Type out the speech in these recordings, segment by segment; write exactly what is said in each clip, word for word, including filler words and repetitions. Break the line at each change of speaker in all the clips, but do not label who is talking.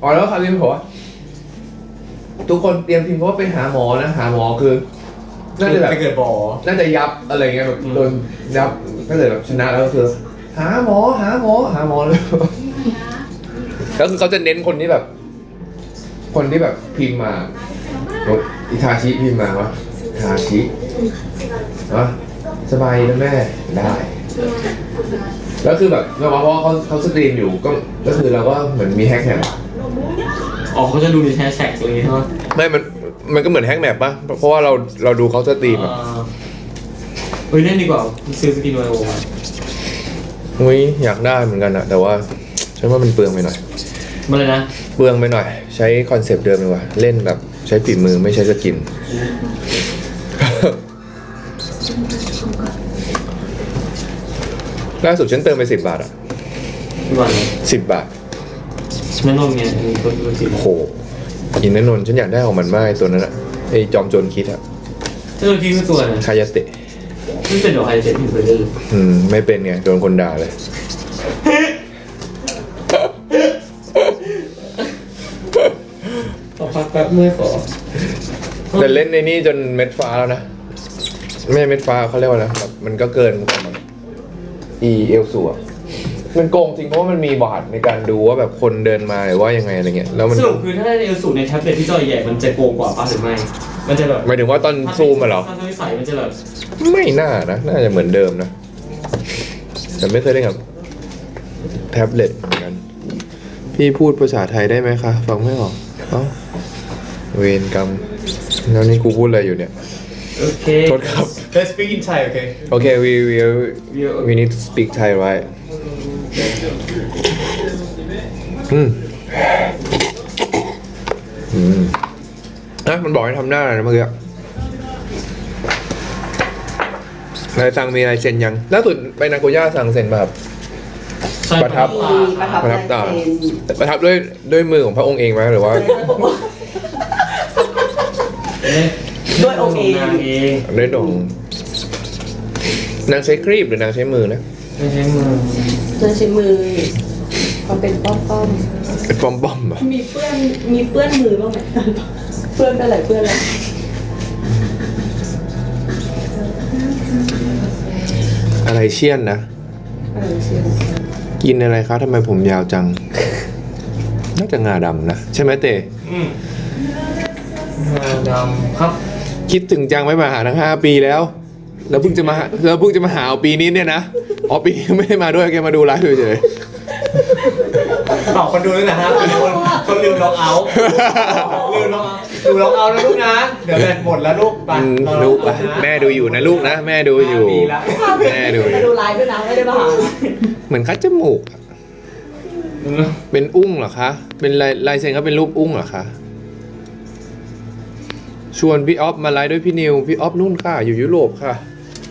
อแล้วครับพิมพ์บอกว่าทุกคนเตรียมพิมพ์เพราะว่าไปหาหมอนะหาหมอคือน่าจะแบบ
ไปเกิดบ่อ
น่าจะยับอะไรเงี้ยแบบโดนยับถ้าเกิดแบบชนะแล้วก็คือหาหมอหาหมอหาหมอเลยแล้วคือเขาจะเน้นคนที่แบบ คนที่แบบพิมพ์มาอิทาชิพิมพ์มาว่าอิทาชิอ่ะสบายนะแม่ได้แล้วคือแบบเพราะว่าเขาเขาสตรีมอยู่ก็ก็คือเราก็เหมือนมีแฮกแมป
อ๋อเขาจะดูในแฮชแท็กอะไรอย่างเงี้ยใช่ไหม
ไม่มันมันก็เหมือนแฮกแมปป่ะเพราะว่าเราเราดูเขาสตรีมอ่ะ
เฮ้ยเล่นดีกว่าซื้อสกินไวโอมา
อุ้ยอยากได้เหมือนกันอะแต่ว่าฉันว่ามันเปลืองไปหน่อย
มาเลยนะ
เปลืองไปหน่อย ใช้คอนเซปต์เดิมดีกว่าเล่นแบบใช้ฝีมือไม่ใช้สกิน ล่าสุดฉันเติมไปสิบบาทอะ
พี่วันเลย
สิบบาท
แม่นมไงมีคนดูสิ
โอ้โหอินนนนท์ฉันอยากได้ของมันมากไอ้ตัวนั้นอะไอ้จอมโจรคิดอะ
เจ้าที่คือตัวนะ
คายาเตะ
ไม่เป็นดอกไฮเจ็ตอยู่เลย
อืมไม่เป็นไงโดนคนด่าเลย
ขอพักแป๊บเมื่อยขอ
แต่เล่นในนี่จนเม็ดฟ้าแล้วนะไม่ใช่เม็ดฟ้าเขาเรียกว่าอะไรแบบมันก็เกินความแบบอีเอลสูอะมันโกงจริงเพราะว่ามันมีบอทในการดูว่าแบบคนเดินมาหรือว่ายังไงอะไรเงี้ยแล้วมัน
สรุปคือถ้าได้เอลสูในแท็บเล็ตที่จอใหญ่มันจะโกงกว่าป่ะหรือไม่มันจะแบบ
หมายถึงว่าตอนซูมอะเหรอ
ถ้าใช้ใส่มันจะแบบ
ไม่น่านะน่าจะเหมือนเดิมนะแต่ไม่เคยเล่นกับแท็บเล็ตเหมือนกันพี่พูดภาษาไทยได้ไหมคะฟังไม่ออกเอ้าเวรกรรมแล้วนี่กูพูดอะไรอยู่เนี่ย
โอเค
โทษครับ
Let's speak in Thai okay
Okay we we we need to speak Thai right อืมอืมนะมันบอกให้ทำหน้าอะไรนะเมื่อกี้นายสั่งมีอะไรเซ็นยังล่าสุดไปนาโกย่าสั่งเซ็นแบบ ประทับ
มีประทับ
ประทับตา
ลายเซ็น
ประทับด้วยด้วยมือของพระองค์เองไหมหรือว่า
ด้วยองค์เอง
นางเอง
ด้วยดงนางใช้ครีบหรือนางใช้มือนะ
ไม่ใช่มือ
เธอใช้มือความเป็นป้อมป้อม
เป็นปอมปอมๆอะ
มีเปื้อนมีเปื้อนมือบ้างไหมเปื้อนอะไรเปื้อนอะไร
อะไรเชี่ยนนะ
เออเชียว
กินอะไรคะทำไมผมยาวจัง น่าจะงาดำนะ ใช่ไหมเต้
อืมงาดำครับ
คิดถึงจังไม่มาหาทั้งห้าปีแล้ว แล้วเพิ่งจะมาหาแล้วเพิ่งจะมาหาเอาปีนี้เนี่ยนะอ๋อปีนี้ไม่ได้มาด้วยแกมาดูไลฟ์เฉย
ตอบคนดูด้วยนะฮะคนคนคนลืมล็อกเอาท์ลืมล็อกเอาท์ดูล็อกเอาท์นะลูกนะ เดี๋ยวแบตหมดแล้วลูกไป
ๆอืม
รอ
ลูก
ล็
ไป
อกเอาท์นะ
แม่ดูอยู่นะลูกนะ แม่ดูอยู่
ห้าปีละ
แม่ดูอ
มา
ยู่
ดูไลฟ์ด้วยนะไม่ได้มาหา
เหมือนคัดจมูกอะเป็นอุ้งเหรอคะ เป็นลายลายเซ็นเขาเป็นรูปอุ้งเหรอคะ ชวนพี่ออฟมาไลฟ์ด้วยพี่นิว พี่ออฟนู่นค่ะ อยู่ยุโรปค่ะ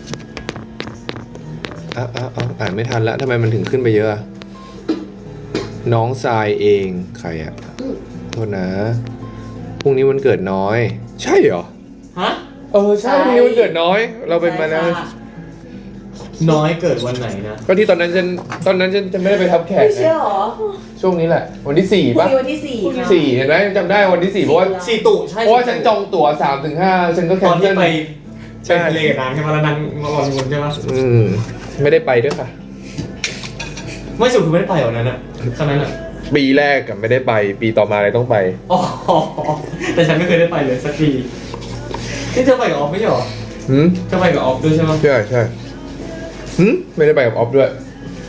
อ้าวอ้าวอ้าวอ่านไม่ทันแล้วทำไมมันถึงขึ้นไปเยอะอะน้องทรายเองใครอะโทษนะพรุ่งนี้วันเกิดน้อย ใช่เหรอ
ฮะ
เออใช่พรุ่งนี้วันเกิดน้อย เราเป็นมาแล้ว
น้อยเกิดวันไหนนะ
ก็ที่ตอนนั้นฉันตอนนั้นฉันจะไม่ได้ไปทับแขก
ไม่เชื่อ
นะ
หรอ
ช่วงนี้แหละ วันที่สี่
พรุ่ง
ปะ
นี้วันที่สี่ค่ะ
สี่เห็นไหมจำได้วันที่สี่เพราะว่า
สี่ตุใช่
เพราะว่าฉันจองตั๋วสามถึงห้าฉันก็แค
ตอน
นเซิ
ที่
ล
ไป
ใช่
ไปทะเลกับนางใช่ไหมแล้วนางมาลอนวนใช่ไหม
อืมไม่ได้ไปด้วยค่ะ
ไม่สุดคือไม่ได้ไปเหรอนั้นอ่ะครั้งนั้นอ่ะ
ปีแรกกับไม่ได้ไป ปีต่อมาเลยต้องไป
อ๋อแต่ฉันไม่เคยได้ไปเลยสักทีที่เธอไปกับออฟไม่ใช่เหรอ
หืม
เธอไปกับออฟด้วยใช่ไหม
ใช่ใช่หืมไม่ได้ไปกับออฟด้วย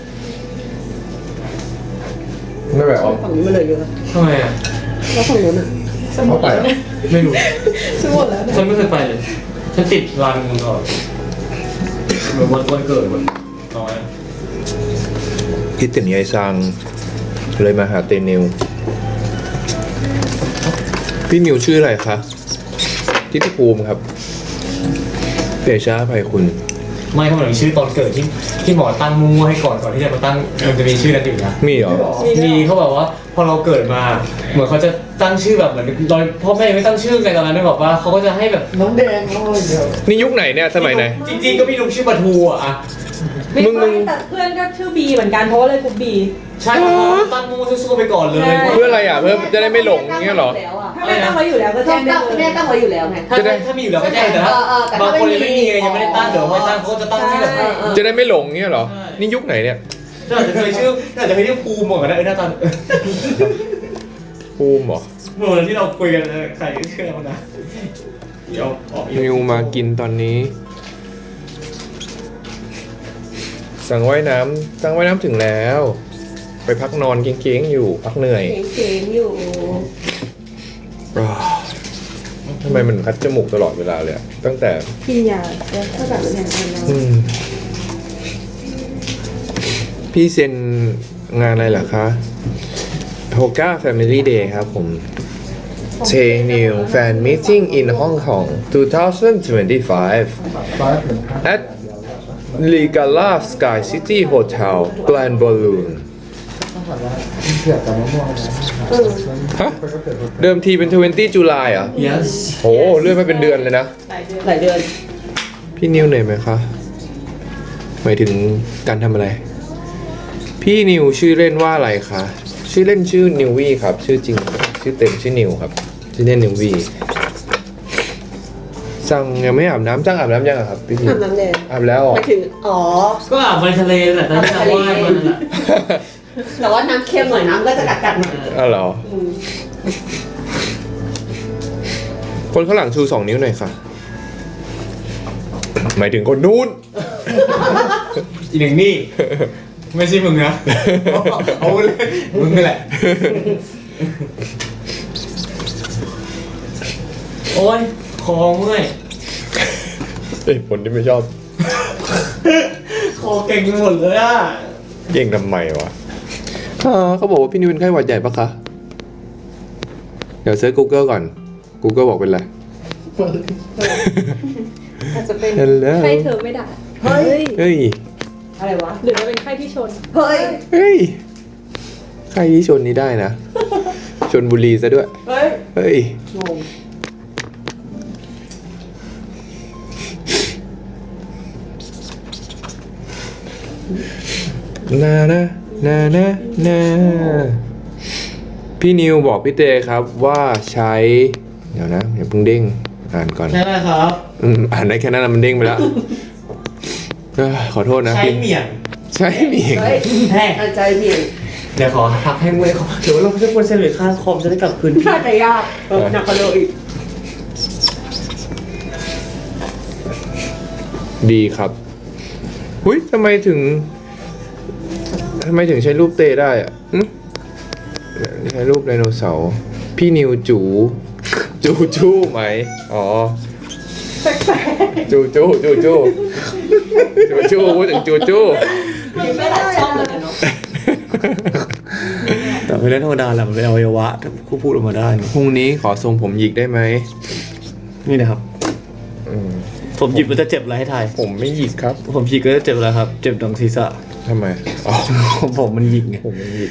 ไม่ไปกับออฟ
ฝั่งนี้มาเลยเยอะ
ทำไมอ่ะ
แล้วฝั่งนู้นอ่ะ
เขาไปเหรอ
ไม่รู้
สมหมดแล้ว
ฉันไม่เคยไปเลย ฉันติดรันมันก่อนเหมือนวันวันเกิดวันน้อย
คิดถึงยายซังเลยมาหาเตนิวพี่นิวชื่ออะไรคะทิติภูมิครับเดชาภัยคุณ
ไม่เขาเหมือนมีชื่อตอนเกิดที่ที่หมอตั้งมั่วให้ก่อนก่อนที่จะมาตั้งมันจะมีชื่อนั้นอยู่นะ
มีเหรอ
มีเขาบอกว่าพอเราเกิดมา เหมือนเขาจะตั้งชื่อแบบเหมือนตอนพ่อแม่ยังไม่ตั้งชื่อกันตอนนั้นได้บอกว่าเขาก็จะให้แบบน้องแดงน้องอะไรเดียว
นี่ยุคไหนเนี่ยสมัยไหน
จริงๆก็มีลุงชื่อปะทูอ่ะ
มึงมึง
แต่เพื่อนก็ชื่อบีเหมือนกันเพราะว่าเลยกลุ่มบี
ใช่ตั้งมั่วสู้ๆไปก่อนเลย
เพื่ออะไรอ่ะเพื่อจะได้ไม่หลงอย่างเงี้ยเหรอ
ถ้าแม่ตั้งไว้อยู่แล้วก็
แจ้
แจ้
ง
ง
ได้
ได้
แม่ตั้งไว้อยู่แล้วไง
ถ้าถ้ามีอยู่แล้วก็แจ้งแต่ถ้า
เออเออแต่ถ้า
บางคนยัง
ไม่
ไม่
มี
มีไงยังไม่ได้ตั้งเดี๋ยวไม่ตั้งเขาก็จะตั้งที่แบบ
ใช่
จะได้ไม่หลงเงี้ยเหรอ
ใช่
นี่ยุคไหนเนี่ย
น่าจะเคยชื่อน่าจะเคยเรียกภูมิเหมือนกันนะเออหน้าตา
ภูมิเหรอ
เมื่อวันที่เราคุยกันใครเชื่อเขานะเดี๋ยวออก
นิวมากินตอนนี้ สั่งว่ายน้ำสั่งว่ายน้ำถึงแล้ว ไปพักนอนเก้งๆอยู่ พักเหนื่อย
เก๋ๆอยู่
ทำไมมันคัดจมูกตลอดเวลาเลยอะตั้งแต่
กินยาแล้วก็แบบอย่างนั้น
อืมพี่เซ็นงานอะไรเหรอคะโฮก้า Family Day ครับผม เชนิว Fan Meeting in Hong Kong twenty twenty-five at Ligala Sky City Hotel Grand Ballroom ฮะ เดิมทีเป็น twentieth จุลายเหรอ่ะ
yes
โหเลื่อนมาเป็นเดือนเลยนะ
หลายเดือน
พี่นิวเหนื่อยไหมคะ หมายถึงการทำอะไร พี่นิวชื่อเล่นว่าอะไรคะ ชื่อเล่นชื่อนิววี่ครับ ชื่อจริง ชื่อเต็มชื่อนิวครับ ชื่อเล่นนิววี่สั่งยังไม่อาบน้ำจ้างอาบน้ำยังอะครับพี่นิว
อาบน้ำแดง
อาบแล้วเหรอ
ไปถึงอ๋อ
ก็อาบไปทะเลแหละตอนที่เราว่ายมันน่ะ
แต่ว่าน้ำเค็มหน่อยน้ำก็จะกัดๆหน่อย
อ้าวเหรอ
อืม
คนข้างหลังชูสองนิ้วหน่อยค่ะ หมายถึงคนนู้น
อีกหนึ่งนี่ ไม่ใช่มึงนะเอาเลยมึงนี่แหละ โอ้ยคอเมื่อย
ไอ้คนที่ไม่ชอบ
คอเก่งไปหมดเลยอ่ะ
เก่งทำไมวะอ่าเขาบอกว่าพี่นิวเป็นไข้หวัดใหญ่ปะคะ เดี๋ยวเซิร์ช Google ก่อน Google บอกเป็นไร
อาจจะเป็น
Hello
ไข้เธอไม่ได้
เฮ้ย
เฮ้ย
อะไรวะ
หรือว่าเป็นไข้ที่ชน
เฮ้ย
เฮ้ย ใครที่ชนนี้ได้นะ ชนบุรีซะด้วย
เฮ้ย
เฮ้ย
งง
นานะนานะนาพี่นิวบอกพี่เตครับว่าใช้ เดี๋ยวนะอย่าเพิ่งเด้ง อ่านก่อน
ใช่ไหมครับ
อืมอ่านได้แค่นั้นนะมันเด้งไปแล้วเอ้อขอโทษนะ
ใช้
พี่
เหมี่ยง
ใช้เมียง
เฮ้ย
แห้ง
อาใจเบี่ยง
เดี๋ยวขอพักให้เมื่อยคอเดี๋ยวเราจะควรเฉลี่ยค่าคอมจะได้กลับคืน
น่าจะยากเออหนักกว่าเดิมอีก
ดีครับหุ้ยทำไมถึงทำไมถึงใช้รูปเตได้อะหึใช้รูปไดโนเสาร์พี่นิวจู จูจูไหม อ๋อ จูจูจูจูจูจูพูดถึงจูจู
มีไม่หลายช่องเลยเนาะ
แต่ไม่ได้ธรรมดาแหละมันเป็นอวัยวะถ้ากูพูดออกมาได้
พรุ่งนี้ขอทรงผมหยิกได้ไหม
นี่นะครับ
อืม
ผมหยิบมันจะเจ็บอะไรให้ทาย
ผมไม่หยิกครับ
ผมหยิกก็จะเจ็บอะไรครับ เจ็บตรงศีรษะ
ทำไม อ๋อ
ผมมันหยิกไง
ผมไม่หยิก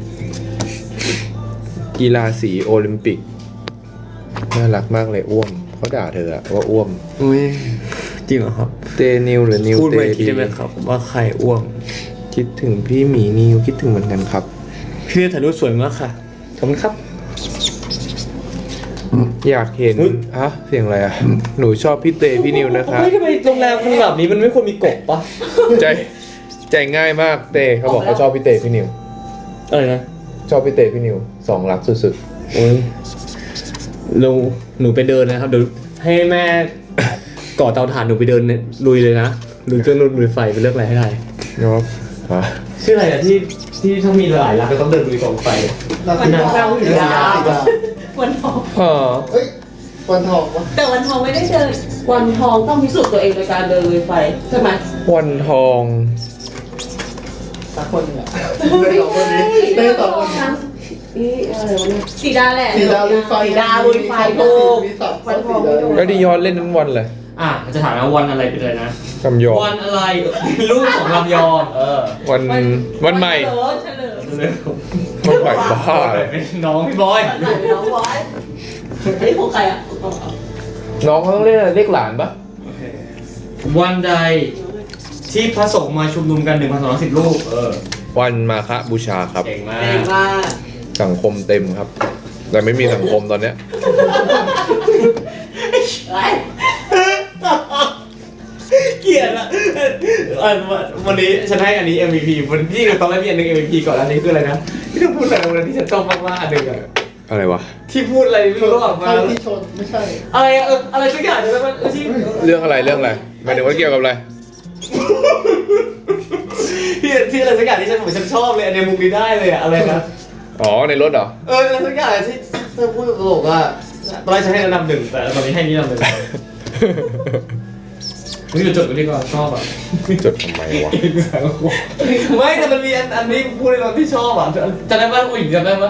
กีฬาสีโอลิมปิก น่ารักมากเลยอ้วมเขาด่าเธออะว่าอ้วม
อุ้ยจริงเหรอครับ
เตนิวหรือนิว
พูด
เต
ไปคิด
ดี
ได้ไหมครับ ว่าใครอ้วง
คิดถึงพี่หมีนิวคิดถึงเหมือนกันครับ
พี่ถ่ายรูปสวยมากค่ะขอบคุณครับ
อยากเห็น
เฮ้ย
ฮะเสียงอะไรอ่ะ หนูชอบพี่เตพี่นิวนะคะ
เฮ้ยทำไมโรงแรมขนาดนี้มันไม่ควรมีกบปะ
ใจใจง่ายมากเตเขาบอกเขาชอบพี่เตพี่นิว
อะไรนะ
ชอบพี่เตพี่นิวสองรักสุด
โอ้ยเราหนูไปเดินนะครับเดี๋ยวให้แม่ ก่อเตาถ่านหนูไปเดินเนี่ยลุยเลยนะลุยเครื่องลุยลุยไฟไปเลือกอะไรให้ได้
ๆเนาะฮะ
ชื่ออะไรอะที่ที่ถ้ามีหลายรักก็ต้องเดินลุยกองไฟ
วันทองเราอยู่ยาว
วันทอง
ฮะ
เฮ้ยวันทองวะ
แต่วันทองไม่ได้เดิน
วันทองต้องพิสูจน์ตัวเองโดยการเดินลุยไฟใช่ไหม
วันทอง
สักคนหนึงอะเต้สองคนนี้เต้สองคนนี้
นี่อะไรวะเนี่ย
สีดาแหละ
สีดาลุยไฟ
สีดาลุยไฟถูก
มีสับ
วันทอง
สีดาลุยไฟ
แล้วดิยอนเล่นทั้งวันเลย
อ่ะจะถามว่าวันอะไรไปเลยนะ
คำยอง
วันอะไรลูกของลำยองเออ
วันวันใหม่
เฉลิมเฉลิม
วันใหม่บ้าเลย
เป็นน้องพี่บอย
วันไหนน้องบอย
อันนี้ของใครอ่ะ
น้องเขาต้องเล่นอะไรเรียกหลานปะ
วันใดที่พระสงฆ์มาชุมนุมกันหนึ่งพันสองร้อยสิบรูปเออ
วันมาฆบูชาครับ
เก่งมา
เก่ง
ก
มาก
สังคมเต็มครับ แต่ไม่มีสังคมตอนเนี้ย
ไร
เกลียดอะเอ่อวันนี้ฉันให้อันนี้ เอ็ม วี พี วันที่ตอนแรกมีอันหนึง เอ็ม วี พี ก่อนอันนี้คืออะไรนะที่เธอพูดอะไรวันที่ฉันชอบมากๆอันหนึ่งอะ
อะไรวะ
ที่พูดอะไรไม่รู้ระหว่างมา
ใช่ที่ชนไม่ใช่
อะไรอะเอออะไรสักอย่างใช่ไหมมันที่
เรื่องอะไรเรื่องอะไรหมายถึงว่าเกี่ยวกับอะไร
ที่ที่อะไรสักอย่างที่ฉันบอกฉันชอบเลยอันในมุมนี้ได้เลยอะอะไรนะ
อ๋อในรถเหรอ
เอออะไรสักอย่างที่เธอพูดตลกว่าตอนแรกฉันให้ระดับหนึ่งแต่ตอนนี้ให้นี่ระดับหนึ่งนี่เราจดไว้ดีกว่าชอบอ่ะ
จดทำไมวะ
ไม่แต่มันมีอันอันนี้พูดในตอนที่ชอบอ่ะจำได้ป่ะผู้หญิงจำได้ป่ะ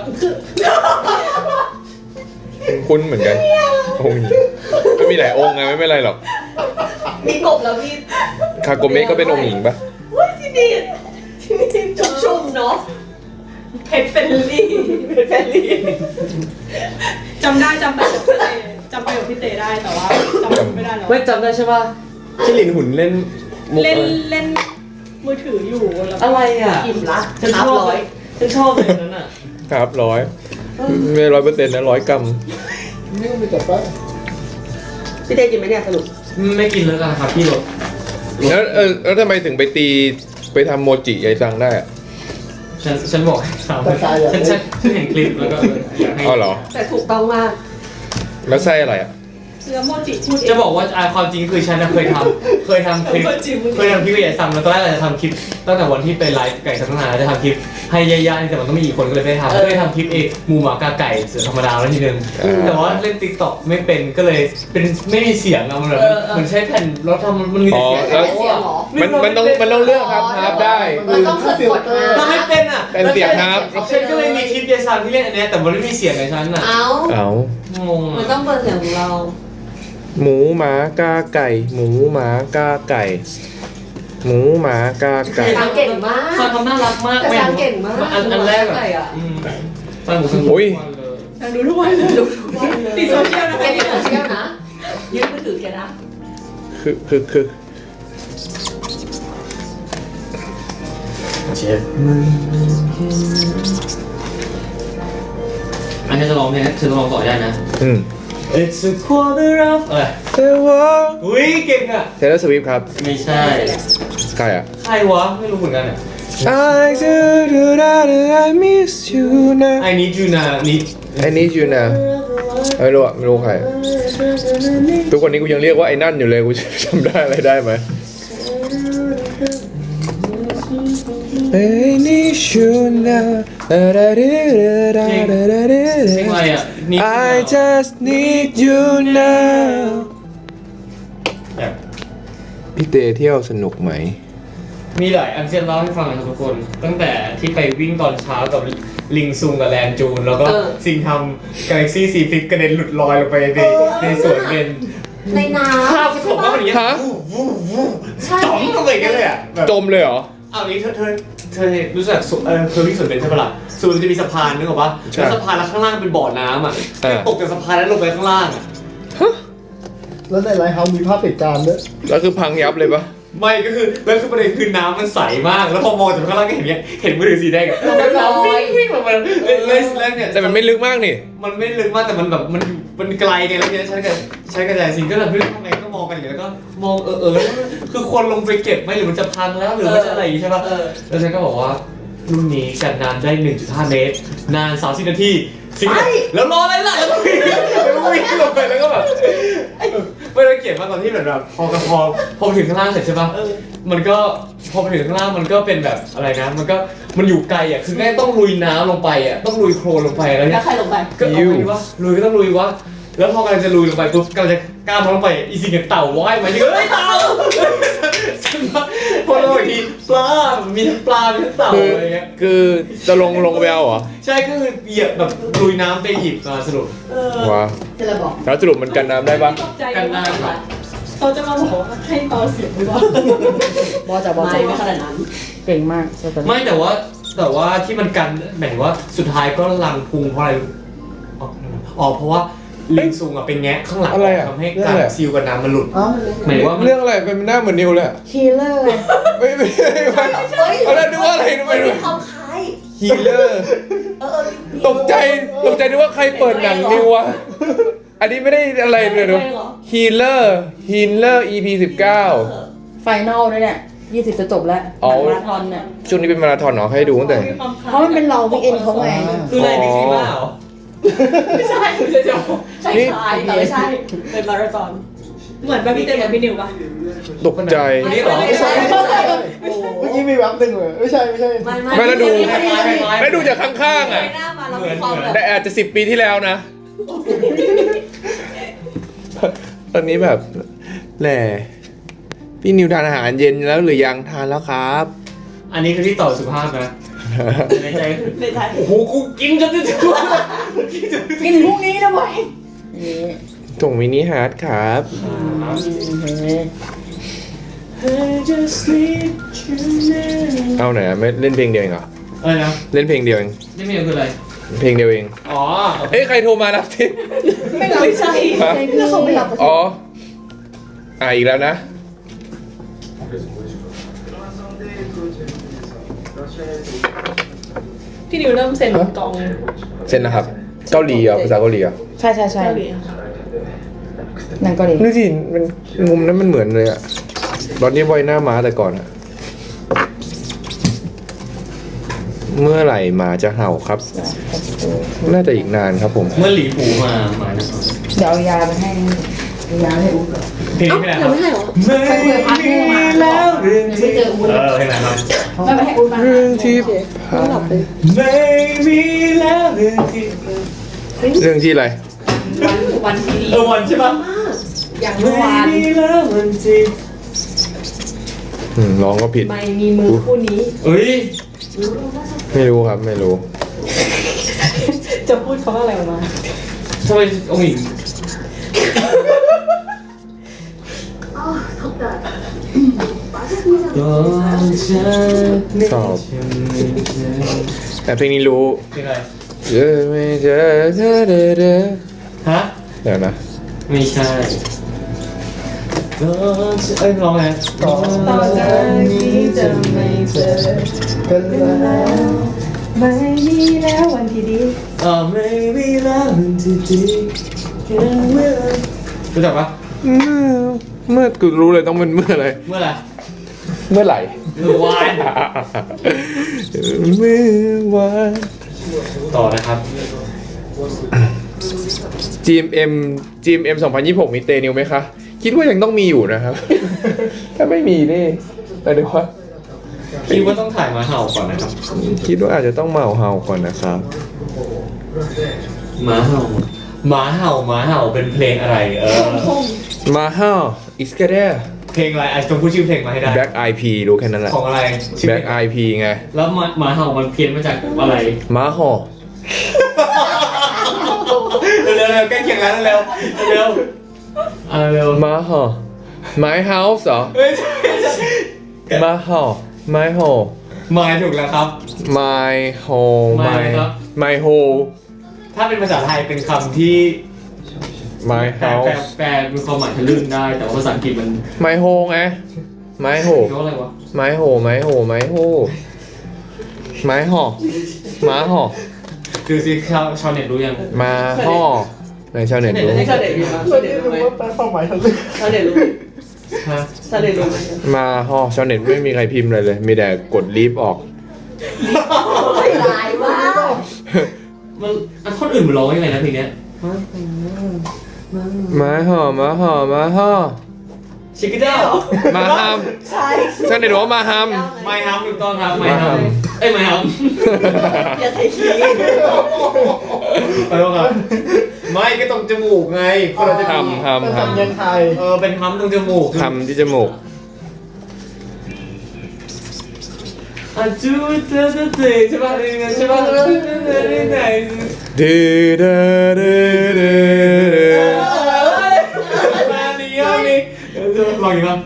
คุ้นเหมือนกันองค์หญิงก็มีหลายองค์ไงไม่เป็นไรหรอก
มีกบแล้วพี่
คาโกเมะก็เป็นองค์หญิงปะ
อุ้ยที่นี่ที่นี่ชุ่มๆเนาะเพชรเฟรนลี่เพชรเฟรนลี่จำได้จำไปกับพี่เตจำไปกับพี่เตได้แต่ว่าจำไม่ได้แล้ว
ไม่จำได้ใช่ป่ะที่หลินหุ่นเล่นมุก
เล่นเล่นมือถืออยู่แล้ว
อะไรอ่ะ
อิ่มละ
ฉัน
นั
ช
บ
อบ
ร้อย
ฉันชอบเลยนั้นอ่ะ
ครับร้อยไม่ร้อยเปอร์เซ็นต์นะร้อยกรัม
นี่ก็มีแต่ป้า
พี่เต้กินไหมเนี่ยสรุป
ไม่กินแล้วกันครับพี่หลด
แล้วเออแล้วทำไมถึงไปตีไปทำโมจิยายซังได้อะ
ฉันฉันบอกให้สาวฉันฉันฉันเห็นคลิปแล้วก็อยากให้
อ๋อเหรอ
แต่ถูกต้องมาก
แล้วไส้อะไรอ่ะ
เสื้อโมจิพูดเอง
จะบอกว่าอ่าความจริงคือฉันน่ะเคยทำเคยทำคลิป
โมจิมึง
เคยทำคลิปกับยายซัมแล้วตอนแรกเราจะทำคลิปตั้งแต่วันที่ไปไลฟ์ไก่สังนาจะทำคลิปให้ยายๆแต่มันต้องมีอีกคนก็เลยไม่ได้ทำก็เลยทำคลิปเองหมูหมากาไก่เสือธรรมดาแล้วทีนึง
อ่า
แต่ว่าเล่นติ๊กต็อกไม่เป็นก็เลยเป็นไม่มีเสียงอะมันแบบเหมันใช้แผ่นแล้วทำมันมี
อ๋อ
แต่เสียง
แล้วมันมันต้องมันต้องเลือกครับฮาร์ปได้
มันต้องเกิดกดมา
ทำไม่เป็นอ่ะ
เป็นเสียงครับ
ฉันก็เลยมีคลิปยายซัมที่เล่นอันเนี้ยแต่มันไม่มีเสียงในฉันอ่ะ
เอา
เอา
งง
มัน
อ่ะ
ต้องเปิดเสียงของเรา
หมูหมากาไก่ หมูหมากาไก่ หมูหมากาไก่
ซังเก่งมาก
ซัมทำน่ารักมาก
แต่ซังเก่งมาก
อันอันแรก
หมูหมาไก่
อ่ะ
อะ
อืมซัมหมูซัม
อุ้ย
นางดูทุกวันเลยติดโซเชียลนะ
แกนี่โซเชียลนะยืมมือถือแกนะ
คือคือคือ
เจ็บอันนี้จะลองเพลงนะจะลองต่อได้นะ
อืม
It's a quarter of อะไร
เทวะ
อุ้ยเก่งอ่ะ
เทเลสวิฟครับ
ไม่ใช่
ใครอ่ะ
ใครวะไม่รู้เหมือนกันอ่ะ
I do do da do I miss you now
I need you นะนี่
I need you now ไม่รู้อ่ะไม่รู้ใคร ทุกวันนี้กูยังเรียกว่าไอ้นั่นอยู่เลยกูจำได้อะไรได้ไหม I need you now
เพลงอะไรอ่ะนี่
I just need you now
แบบ
พี่เตเที่ยวสนุกไหม
มีหลายอันที่จะเล่าให้ฟังนะครับทุกคน ตั้งแต่ที่ไปวิ่งตอนเช้ากับลิงซุงกับแลนจูน แล้วก็สิ่งทำ Galaxy ซี ฟิปกระเด็นหลุดลอยลงไปในในสวนเป็น
ในน้ำ
ภาพที่ผมว่ามันอย่างเงี้ย
ฮะ
วูบวูบวูบจ๋องลงไปอย่างเงี้ยเลยอ่ะแบบ
จมเลยเหรอ
เอานี้เธอเธอเธอรู้จักสุเออเคยวิ่งสวนเบนใช่ปะล่ะสวนมันจะมีสะพานนึกออกปะ
ใช่
แล้วสะพานแล้วข้างล่างเป็นบ่อน้ำอ่ะ
อ่า
ตกจากสะพานแล้วลงไปข้างล่างอ่ะ
แล้วในไลฟ์เฮาส์มีภาพเหตุการณ์ด้วย
แล้วคือพังยับเลยปะ
ไม่ก็คือแล้วคือประเด็นคือน้ำมันใสมาก แล้วพอมองจากข้างล่างก็เห็นเนี้ยเห็นมือถือสีแดงอะแล้วน้ำวิ่งวิ่งลงมาเล่นเล่นเนี่ย
แต่มันไม่ลึกมากนี่
มันไม่ลึกมากแต่มันแบบมันมันไกลไงแล้วเนี่ยใช้กันใช้กระจายสิงก็แบบเฮ้ยทำไงก็มองกันอย่างเงี้ยแล้วก็มองเออเออแล้วคือคนลงไปเก็บไหมหรือมันจะพังแล้วหรือมันจะอะไรอย่างงี้ใช่ปะแล้วฉันก็บอกว่ารุ่นนี้กันนานได้ หนึ่งจุดห้า เมตร นานสามสิบนาทีสิงก็แล้วรออะไรล่ะแล้วก็วิ่งแล้วก็วิ่งลงไปแล้วก็แบบไม่ได้เก็บมาตอนที่แบบพอกระพอพอไปถึงข้างล่างเสร็จใช่ปะมันก็พอไปถึงข้างล่างมันก็เป็นแบบอะไรนะ มันก็มันอยู่ไกลอ่ะคือแม่ต้องลุยน้ำลงไปอ่ะต้องลุยโคลนลงไปแล้ว
แล้
เนี่
วย ใครลงไป
ก็เอาไปวะลุยก็ต้องลุยวะแล้วพอกำลังจะลุยลงไปปุ๊บกำลังจะก้าวลงไปอีสิงกับเต่าว่ายมาเยอะเลยเต่าพอลงอีกทีปลามีทั้งปลามีทั้งเต่า
คือ
อะไรเงี้ย
คือจะลงลงไปเอาเหรอ
ใช่ก็คือเหยียบแบบลุยน้ำไปหยิบมาสรุป
ว้า
จะระบอก
แล้วสรุปมันกันน้ำได้ปะ
ตกใจ
กันได้ครับ
เขาจะมาบอกว่าให้เบาเสียงหรือเปล่า
บอจะบอจะไม่ขนาดนั้น
เก่งมาก
ไม่แต่ว่าแต่ว่าที่มันกันหมายถึงว่าสุดท้ายก็ลังพุงเพราะอะไรอ๋ออ๋อเพราะว่าลิงซุงอ่ะเป็นแงะข้างหลัง
อะไรอะ
ทำให้การซีลกับน้ำมันหลุด
เอ้า
หมายถึงว่ามัน
เรื่องอะไรเป็นหน้าเหมือนนิวเลยอะ
ฮีเลอร์
ไม่ไม่ไม่ไม่
เฮ้ย
เอาแล้วนึกว่าอะไรนึกว่า
มัน
อะไร
มีความคล้าย
ฮีเลอร์
เออเออมี
ตกใจตกใจนึกว่าใครเปิดหนังนิววะอันนี้ไม่ได้อะไรเลยดูฮีเลอร์ฮีเลอร์ อี พี สิบเก้า
ไฟนอลด้วยเนี่ยยี่สิบจะจบแล้ว
อ๋อ
มาราธอนเนี่ย
ช่วงนี้เป็นมาราธอนเหรอให้ดูตั้งแต่
เพราะมันเป็นเราวิกเอนเขาไง
คืออะไรบิ๊กซีมาเหรอ
ไม่ใช่เดี๋ยวใช่ใช่แต่ไม่ใช่ เป็นมาราธอน
เหมือนแบบพี่เต้กับพี่นิวปะ
ตกใจ
อันนี้เหรอ
ไม่ใช่ไม่ใช่
เมื่อกี้มีแวบหนึ่งเลยไม่ใช่ไม่ใช่
ไม่
ไม่แล้วดู
คล้ายๆคล้ายๆ
แล้วดูจากข้างๆอ่ะ
หน้ามาเรามีความแบบ
แต่อาจจะสิบปีที่แล้วนะ ตอนนี้แบบแหละพี่นิวทานอาหารเย็นแล้วหรือยังทานแล้วครับ
อันนี้คือที่ต่อสุภาพนะในใจ
ไม่ใช่
โอ้โหกูกินจนจะถึง
กินพรุ่งนี้นะบอยนี่
ส่งมินิฮาร์ดครับ เอาไหนอะไม่เล่นเพลงเดียวเองเหรอ
อะไรนะ
เล่นเพลงเดียวเอง
นี่ไม่คืออะไร
เพลงเดียวเอง
อ๋อ
เอ้ยใครโทรมารับทิ
ไม่รับใช่
ฮะ
แล้วเขาไม่รับ
อ๋ออ่ะอีกแล้วนะ
พี่นิวเริ่มเซ็นกอง
เซ็นนะครับ เกาหลีเหรอภาษาเกาหลีเหรอ
ใช่ใช่ใช่
เกาหลี
หนังเกาหลี
นี่สิมันมุมนั้นมันเหมือนเลยอะตอนนี้ไว้หน้าม้าแต่ก่อนอะเมื่อไหร่หมาจะเห่าครับ น่าจะอีกนานครับผม
เมื่อหลีปูมามา
เดี๋ยวเอายาไปให้เอายาให้อุ๊บ
เพลงนี้ไม่ได้ครับ
ไม่ใช่หรอ
ไม่มีแล้วเรื่อง
ไม่เจออุ้น
เออเพลงไหนครับ
ไม่ไปให้อุ๊บมา
เรื่องที่ผ่าน
ไม่มีแล้วเรื่องที่
เรื่องที่อะไร
วันวันที่ดี
เออวันใช่ปะ
อย่างเมื่อวาน
ไม่มีแล้ววันที่
อืมร้องก็ผิด
ไม่มีมือคู่นี้
เอ้ย
ไม่รู้ครับไม่รู้
จะพูดคำว่าอะไรออกมา
ทำไมองค์หญิง
สอบแต่เพลงนี้รู้
เพลงอะไร
เจอไม่เจอเจอเดอเดอ
ฮะ
เดี๋ยวนะ
ไม่ใช่ก็เอ้ยร้องไง
ต่อ
ต่อจากนี้จะไม่เจอ
กันแล้ว
ไม่มีแล้ววันที่ดี
เออไม่มีแล้วมันที่ดีแค่เมื่อรู้จักปะ
เมื่อเมื่อกูรู้เลยต้องเป็นเมื่ออะไร
เมื่อไหร่
เมื่อไหร่
เมื่อวาน
เมื่อวาน
ต่อนะครับ
จี เอ็ม เอ็ม จี เอ็ม เอ็ม สองพันยี่สิบหกมีเตนิวไหมคะ คิดว่ายังต้องมีอยู่นะครับ ถ้าไม่มีนี่แต่เดี๋ยวว่า
คิดว่าต้องถ่ายมาเห่าก่อนนะครับ
คิดว่าอาจจะต้องเมาเฮาก่อนนะครับ
หมาเห่าหมาเห่าหมาเห่าเป็นเพลงอะไร เออ
มาเฮาอิสกาเด
เพลงอะไรไอ้จงพูดชื่อเพลงมาให้ได้
แบ็กไอพีรู้แค่นั้นแหละ
ของอะไรชื่อ
แบ็ก
เพลง
ไอพีไง
แล้วหมาหมาเห่ามันเพี้ยนมาจากอะไร
มาฮอ
เร็วๆเร็วๆใกล้เคียงแล้วเร็วๆเร็วๆเอาเร็ว
มาฮอ My house เหรอ
เฮ้ยใช่
มาฮอ My home
หมายถูกแล้วครับ
My home
My
My
ครับ
My home
ถ้าเป็นภาษาไทยเป็นคำที่
My
แปลแปล
house
แปลมีความหมายทะลึ่งได้ แต่ว่าภาษาอังกฤษมัน
My home ไง My home
เรียกว่าอะไรวะ
My home My home My home My home มาฮอ
คือสิชาวชาวเน็ตรู้ยัง
มาฮอในชาวเน็ตรู้
ชาเด็ดรู้ไหม
ไม่ได้รู้ว่าแปลความหมายทะลึ่ง
ชาเด็ดรู้
ฮะ
ชาเด็ดรู้ไหม
มาฮอชาวเน็ตไม่มีใครพิมพ์อะไรเลย มีแต่กดลีฟออก
ไม่ร้ายมาก
มันอันท่อนอื่นมันร้องยังไงนะเพลงเนี้ย
มาฮอมาฮอมาฮอ
ชิคกี้เจ้า
มาฮัม
ใช่
ชาวเน็ตบอกว่ามาฮัม
ไม่ฮัมถูกต้องครับไม่ฮัม
ไม่ฮัม
เอ้ยไม่ฮัม
อย่าใส่ขี้
ขอโทษครับไม่ก็ตรงจมูกไงคนเราจะ
ทำทำ
เป็น
ท
สำเนียงไทย
เออเป็นฮัมตรงจมูก
ำทำที่จมูก
อ่ะจูเตอร์เตอร์เตใช่ป่ะใช่ป่ะไหน
ดื้อดื้อดื้อดื้อดื้อ
มาดิยามิลองอีกมั้ง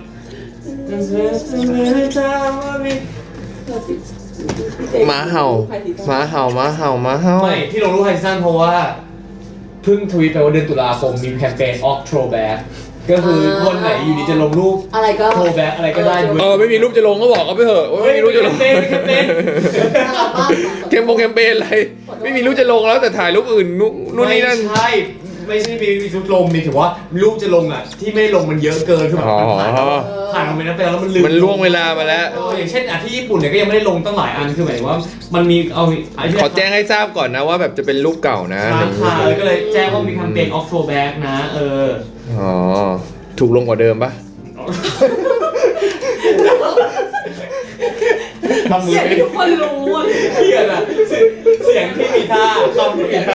ม้าเห่าม้าเห่าม้าเห่าม้าเห่า
ไม่ที่ลงรูปไฮสั้นเพราะว่าเพิ่งทวีตไปว่าเดือนตุลาคมมีแคมเปญ October ก็คือวันไหนอยู่ดีจะลงรูป
อะไรก็
โทรแบ็กอะไรก็ได้
เออไม่มีรูปจะลงก็บอกเขาไปเถอะว่าไม่มีรูปจะลง
เฮ้ยไม่เป็น
น่ารักมาก
เคมโปงแคมเปญอะไรไม่มีรูปจะลงแล้วแต่ถ่ายรูปอื่นนู่นนู่นนี่นั่น
ไม่ใช่ไม่ใช่มีมีชุดลงมีถือว่ารูปจะลงอ่ะที่ไม่ได้ลงมันเยอะเกินคือแบบมันผ่าน
อ๋อ
ผ่านไปนั้นไปแล้วมันลืม
มันล่วงเวลามาแล้ว
เอออย่างเช่นอ่ะที่ญี่ปุ่นเนี่ยก็ยังไม่ได้ลงตั้งหลายอันคือหมายถึงว่ามันมีเอาไอ้ที่
ขอแจ้งให้ทราบก่อนนะว่าแบบจะเป็นรูปเก่านะ
ค้างคาเลยก็เลยแจ้งว่ามีแคมเปญออกโทแบ็กนะเออ
อ๋อถูกลงกว่าเดิมปะ
ทำมือ
เสียง
เป็น
ที่ทุกคนรู้อะ
เพี้ยนอ่ะเสียงที่มีท่าคำที่มีท่า